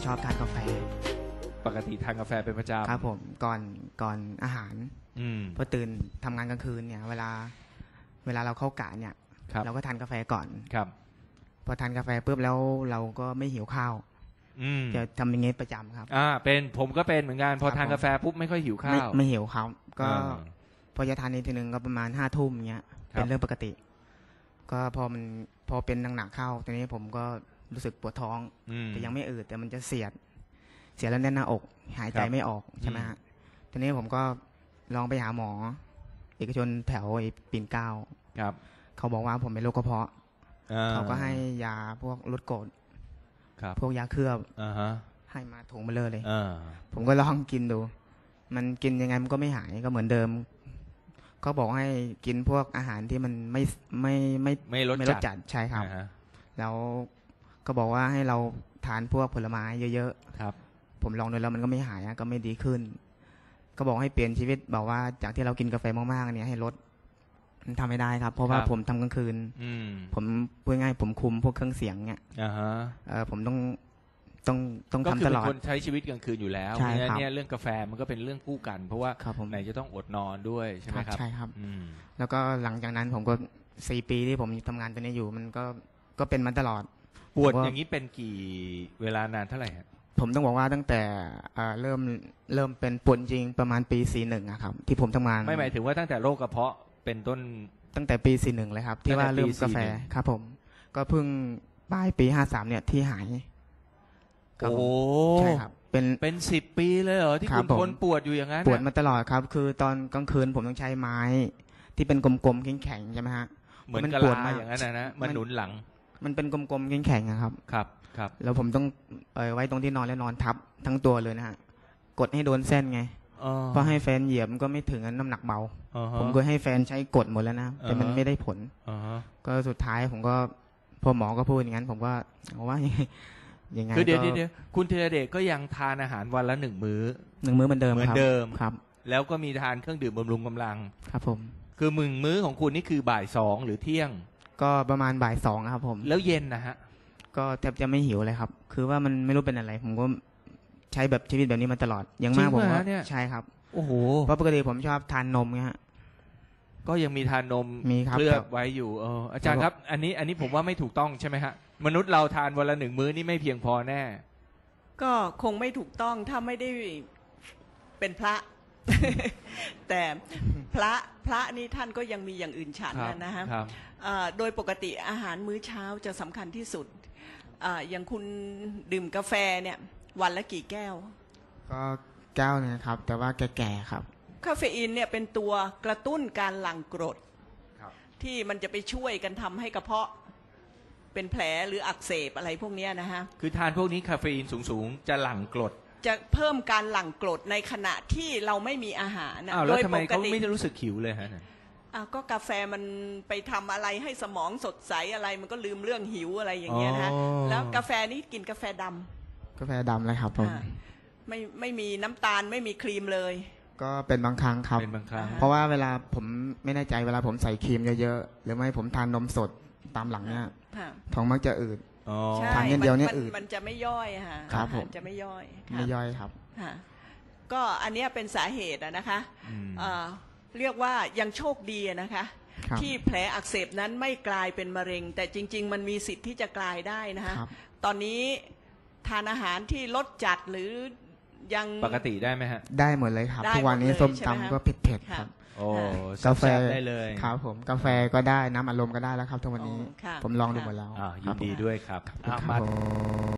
อบทานกาแฟปกติทานกาแฟเป็นประจำครับผมก่อนอาหารพอตื่นทำงานกลางคืนเนี่ยเวลาเราเข้ากะเนี่ยเราก็ทานกาแฟก่อนครับพอทานกาแฟปุ๊บแล้วเราก็ไม่หิวข้าวจะทำอย่างงี้ประจำครับเป็นผมก็เป็นเหมือนกันพอทานกาแฟปุ๊บไม่ค่อยหิวข้าวไม่หิวครับก็พอจะทานอีกทีนึงก็ประมาณ5 ทุ่มเงี้ยเป็นเรื่องปกติก็พอเป็นหนักๆเข้าทีนี้ผมก็รู้สึกปวดท้องแต่ยังไม่อืดแต่มันจะเสียดแล้วแน่นหน้าอกหายใจไม่ออกใช่ไหมฮะทีนี้ผมก็ลองไปหาหมอเอกชนแถวปิ่นเกล้าเขาบอกว่าผมเป็นโรคกระเพาะเขาก็ให้ยาพวกลดกรดพวกยาเคลือบให้มาถุงมาเลยผมก็ลองกินดูมันกินยังไงมันก็ไม่หายก็เหมือนเดิมก็บอกให้กินพวกอาหารที่มันไม่รสจัดใช่ครับแล้วก็บอกว่าให้เราทานพวกผลไม้เยอะๆครับผมลองดูแล้วมันก็ไม่หายก็ไม่ดีขึ้นก็บอกให้เปลี่ยนชีวิตบอกว่าจากที่เรากินกาแฟมากๆเนี่ยให้ลดมันทำไม่ได้ครับเพราะว่าผมทำกลางคืนผมพูดง่ายผมคุมพวกเครื่องเสียงเนี่ยผมต้องทำตลอดก็คือเป็นคนใช้ชีวิตกลางคืนอยู่แล้วเนี่ยเรื่องกาแฟมันก็เป็นเรื่องคู่กันเพราะว่าไหนจะต้องอดนอนด้วยใช่ไหมครับใช่ครับแล้วก็หลังจากนั้นผมก็4 ปีที่ผมทำงานตัวนี้อยู่มันก็เป็นมาตลอดปวดอย่างนี้เป็นกี่เวลานานเท่าไหร่ผมต้องบอกว่าตั้งแต่เริ่มเป็นปวดจริงประมาณปี41ครับที่ผมทำงานไม่หมายถึงว่าตั้งแต่โรคกระเพาะเป็นต้นตั้งแต่ปี41เลยครับที่ว่าเริ่มกาแฟครับผมก็เพิ่งปลายปี53เนี่ยที่หายโอ้ใช่ครับเป็น10 ปีเลยเหรอที่คุณทนปวดอยู่อย่างนั้นปวดมาตลอดครับคือตอนกลางคืนผมต้องใช้ไม้ที่เป็นกลมๆแข็งๆใช่ไหมฮะเหมือนกะลาอย่างนั้นนะมันหนุนหลังมันเป็นกลมๆแข็งๆครับแล้วผมต้องไว้ตรงที่นอนแล้วนอนทับทั้งตัวเลยนะฮะกดให้โดนเส้นไงเพราะให้แฟนเหยียบมันก็ไม่ถึงน้ำหนักเบาผมก็ให้แฟนใช้กดหมดแล้วนะแต่มันไม่ได้ผลก็สุดท้ายผมก็พอหมอก็พูดอย่างนั้นผมก็ว่ายังไงคือเดี๋ยวคุณธีรเดชก็ยังทานอาหารวันละ1 มื้อเหมือนเดิมครับแล้วก็มีทานเครื่องดื่มบำรุงกำลังครับผมคือมื้อของคุณนี่คือบ่าย2หรือเที่ยงก็ประมาณบ่าย2ครับผมแล้วเย็นนะฮะก็แทบจะไม่หิวเลยครับคือว่ามันไม่รู้เป็นอะไรผมก็ใช้แบบชีวิตแบบนี้มาตลอดยังมากผมว่าใช่ครับโอ้โหเพราะปกติผมชอบทานนมไงฮะก็ยังมีทานนมเคลือบไว้อยู่อาจารย์ครับอันนี้ผมว่าไม่ถูกต้องใช่ไหมฮะมนุษย์เราทานวันละ1 มื้อนี่ไม่เพียงพอแน่ก็คงไม่ถูกต้องถ้าไม่ได้เป็นพระ แต่พระนี่ท่านก็ยังมีอย่างอื่นฉันนะฮะโดยปกติอาหารมื้อเช้าจะสำคัญที่สุดอย่างคุณดื่มกาแฟเนี่ยวันละกี่แก้วก็แก้วนะครับแต่ว่าแก่ๆครับคาเฟอีนเนี่ยเป็นตัวกระตุ้นการหลั่งกรดที่มันจะไปช่วยกันทำให้กระเพาะเป็นแผลหรืออักเสบอะไรพวกนี้นะฮะคือทานพวกนี้คาเฟอีนสูงจะหลั่งกรดจะเพิ่มการหลั่งกรดในขณะที่เราไม่มีอาหารโดยปกติไม่รู้สึกหิวเลยฮะก็กาแฟมันไปทำอะไรให้สมองสดใสอะไรมันก็ลืมเรื่องหิวอะไรอย่างเงี้ยนะแล้วกาแฟนี่กินกาแฟดำเลยครับผมไม่มีน้ำตาลไม่มีครีมเลยก็เป็นบางครั้งครับเพราะว่าเวลาผมไม่แน่ใจเวลาผมใส่ครีมเยอะๆหรือไม่ผมทานนมสดตามหลังเนี่ยท้องมักจะอืดทานเดียวเนี่ยอืดมันจะไม่ย่อยค่ะครับผมจะไม่ย่อยครับก็อันนี้เป็นสาเหตุนะคะเรียกว่ายังโชคดีนะคะที่แผลอักเสบนั้นไม่กลายเป็นมะเร็งแต่จริงๆมันมีสิทธิ์ที่จะกลายได้นะคะตอนนี้ทานอาหารที่ลดจัดหรือยังปกติได้ไหมฮะได้หมดเลยครับทุกวันนี้ส้มตำก็เผ็ดครับกาแฟได้เลยครับผมกาแฟก็ได้น้ำอัดลมก็ได้แล้วครับทุกวันนี้ผมลองดูหมดแล้วยินดีด้วยครับ